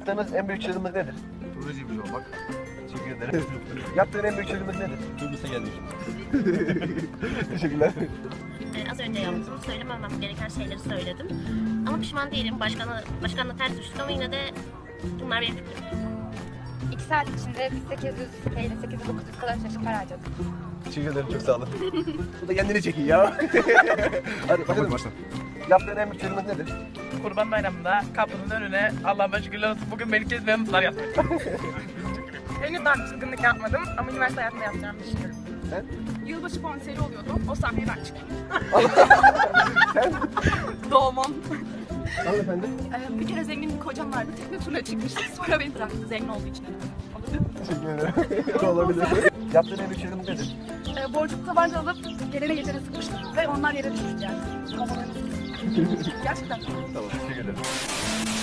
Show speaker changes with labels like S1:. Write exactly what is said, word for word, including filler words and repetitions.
S1: Yaptığınız en büyük çılgınlık nedir?
S2: Turizmci olmak.
S1: Teşekkür ederim. Yaptığın en büyük çılgınlık nedir?
S2: Kıbrıs'a geldik.
S1: Teşekkürler.
S3: Ee, az önce yaptım. Söylememem gereken şeyleri söyledim. Ama pişman değilim. Başkanla, başkanla ters düştük ama yine de bunlar benim fikrim.
S4: İki saat içinde biz sekiz yüz TL, sekiz yüz dokuz yüz kadar çeşit para harcadık.
S1: Teşekkür ederim, çok sağ olun. Bu da kendini çekiyor ya. Hadi bakalım.
S2: Başla.
S1: Yaptığın en büyük çılgınlık nedir?
S5: Kurban Bayramı'nda kapının önüne Allah'ıma şükürler olsun bugün beni kesmeyen mutlar yaptım.
S6: Henüz daha bir çılgınlık yapmadım ama üniversite hayatında yapacağımı düşünüyorum.
S1: Sen?
S6: Yılbaşı konseri oluyordu. O sahneye ben çıktım.
S1: Sen?
S6: Doğmam.
S1: Hanımefendi.
S6: Ee, bir kere zengin bir kocam vardı. Tekne turuna çıkmıştık. Sonra beni bıraktı. Zengin olduğu için.
S1: Teşekkür ederim. Olabilir. Yaptığın en büyük çılgınlık nedir?
S6: Ee, borcuk tabanca alıp gelene geçene sıkmıştım ve onlar yere düşmüştü yani. Gerçekten.
S1: Tamam, teşekkür ederim.